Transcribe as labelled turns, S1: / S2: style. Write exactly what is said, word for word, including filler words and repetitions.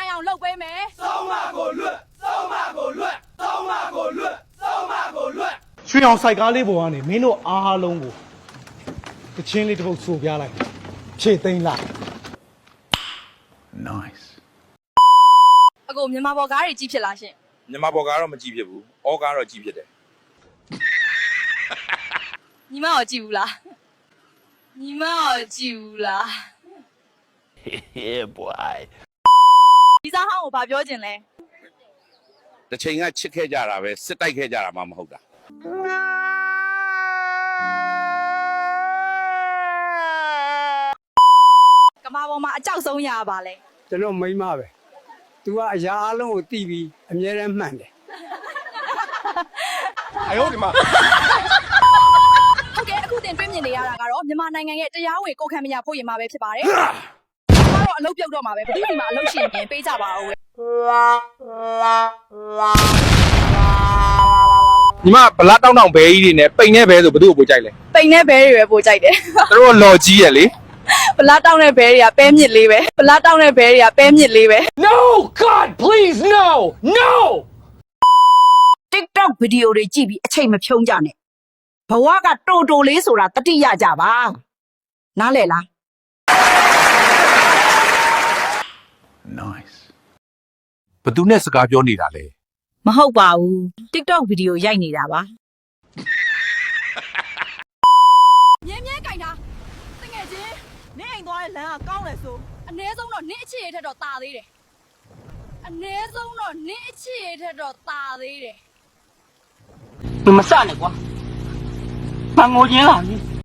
S1: အောင်လုပ်ပေးမယ်
S2: စောင်းမကိုလွတ်စောင်းမကိုလွတ်စောင်းမကိုလွတ်စောင်းမကိုလွတ်
S3: ရွှေအောင်စိုက်ကားလေးပေါ်ကနေမင်းတို့အားလုံးကိုတချင်းလေးတစ်ပုတ်ဆိုပြလိုက်ဖြည့်သိမ်းလိုက်
S2: nice
S1: အကိုမြန်မာဘော်ကားတွေကြီးဖြစ်လားရှင်
S4: မြန်မာဘော်ကားတော့မကြည့်ဖြစ်ဘူးအော်ကားတော့ကြည့်ဖြစ်တယ်
S1: ညီမရောကြည့်ဘူးလားညီမရောကြည့်ဘူးလား
S2: yeah boy
S1: ဒီစားဟောင်းကိုဘာပြောချင်လဲ
S4: တစ်ချိန်ကချစ်ခဲ့ကြတာပဲစစ်တိုက်ခဲ့ကြတာမှမဟုတ်တာ
S1: ကမာပေါ်မှာအကြောက်ဆုံးရပါလဲ
S5: ကျွန်တော်မိန်းမပဲ तू ကအရာအလုံးကိုတီးပြီးအမြဲတမ်းမှန်တယ်
S3: 哎呦我的妈
S1: ဟုတ်ကဲ့အခုတင်တွေ့မြင်နေရတာကတော့မြန်မာနိုင်ငံရဲ့တရားဝင်ကိုခံမရဖို့ရင်မှာပဲဖြစ်ပါတယ်ကျွန်တော်တို့အလုပ်ပြုတ်တော့မှာပဲဘယ်သူဒီမှာအလုပ်ရှင်ပြင်ပေးကြပါဦး
S6: ညီမဗလာတောင်းတောင်းဘဲကြီးတွေနဲ့ပိန်နဲ့ဘဲဆိုဘယ်သူ့ကိုပို့ကြိုက်လဲ
S1: ပိန်နဲ့ဘဲတွေပဲပို့ကြိုက်တယ်
S6: သူတို့လော်ကြီးရလေ
S1: ဗလာတောင်းတဲ့ဘဲတွေကပဲမြစ်လေးပဲဗလာတောင်းတဲ့ဘဲတွေကပဲမြစ်လေးပဲ
S7: No God please no no
S8: TikTok ဗီဒီယိုတွေကြည့်ပြီးအချိန်မဖြုံးကြနဲ့ဘဝကတိုတိုလေးဆိုတာတတိယကြပါနားလဲလား
S2: nice
S6: ဘသူနဲ့စကားပြောနေတာလဲ
S8: မဟုတ်ပါဘူး TikTok ဗီဒီယိုရိုက်နေတာပါ
S1: မြင်းမြင်းကင်တာတငယ်ချင်းနင်းအိမ်သွားတဲ့လမ်းကကောင်းတယ်ဆိုအ ਨੇ ဆုံးတော့နင်းအချစ်ရထက်တော့ตาသေးတယ်အ ਨੇ ဆုံးတော့နင်းအချစ်ရထက်တော့ตาသေးတယ်
S7: 你们散了，我，把我赢了你。